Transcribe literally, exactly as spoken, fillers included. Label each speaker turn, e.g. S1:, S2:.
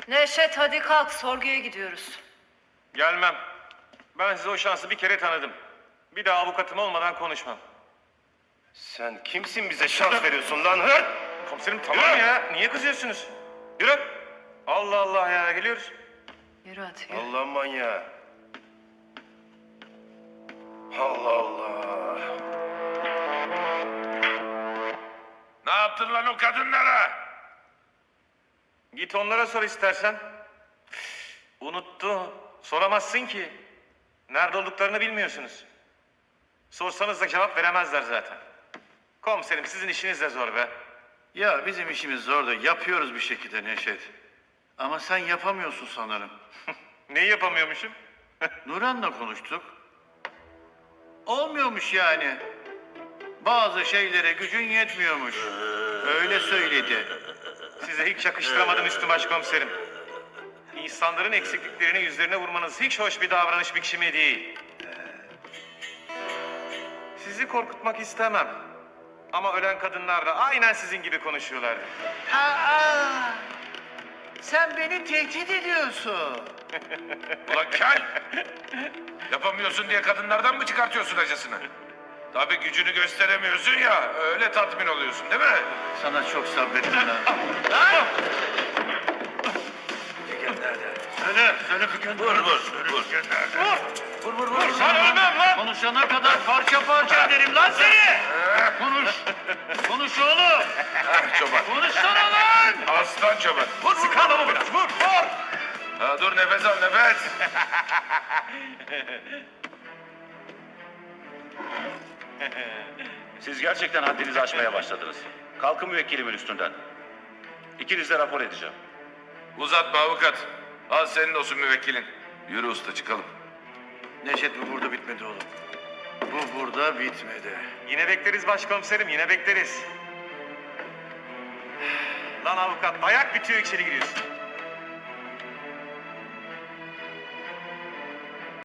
S1: Neşet hadi kalk, sorguya gidiyoruz.
S2: Gelmem. Ben size o şansı bir kere tanıdım. Bir daha avukatım olmadan konuşmam.
S3: Sen kimsin bize şans veriyorsun lan? Hı?
S2: Komiserim tamam
S3: Yürü.
S2: ya. Niye kızıyorsunuz? Yürü. Allah Allah ya, geliyoruz.
S1: Yürü hadi yürü.
S3: Allah manyağı. Allah Allah.
S4: Ne yaptın lan o kadınlara?
S2: Git onlara sor istersen. Unuttu. Soramazsın ki. Nerede olduklarını bilmiyorsunuz. Sorsanız da cevap veremezler zaten. Komiserim sizin işiniz de zor be.
S5: Ya bizim işimiz zor da yapıyoruz bir şekilde Neşet. Ama sen yapamıyorsun sanırım.
S2: Neyi yapamıyormuşum?
S5: Nuran'la konuştuk. Olmuyormuş yani. Bazı şeylere gücün yetmiyormuş. Öyle söyledi.
S2: Size hiç yakıştıramadım Üstü Başkomiserim. İnsanların eksikliklerini yüzlerine vurmanız hiç hoş bir davranış biçimi değil. Sizi korkutmak istemem. Ama ölen kadınlar da aynen sizin gibi konuşuyorlardı.
S5: Aa, sen beni tehdit ediyorsun.
S4: Ulan kel! Yapamıyorsun diye kadınlardan mı çıkartıyorsun acısını? Tabii gücünü gösteremiyorsun ya, öyle tatmin oluyorsun değil mi?
S5: Sana çok sabrettim lan. Söyle, söyle Figen.
S4: Vur vur, vur.
S5: Vur, vur, vur. Sen ölmem lan. Konuşana kadar parça parça ederim lan seni. Konuş. Konuş oğlum.
S4: Ah çoban.
S5: Konuşsana lan.
S4: Aslan çoban. Vur vur,
S2: Sıkalım biraz, vur, vur!
S4: Ha, dur nefes al nefes.
S6: Siz gerçekten haddinizi aşmaya başladınız. Kalkın müvekkilimin üstünden. İkiniz de rapor edeceğim.
S4: Uzatma avukat. Al senin olsun müvekkilin. Yürü usta çıkalım.
S5: Neşet bu burada bitmedi oğlum. Bu burada bitmedi.
S2: Yine bekleriz başkomiserim, yine bekleriz. Lan avukat, dayak bitiyor içeri giriyorsun.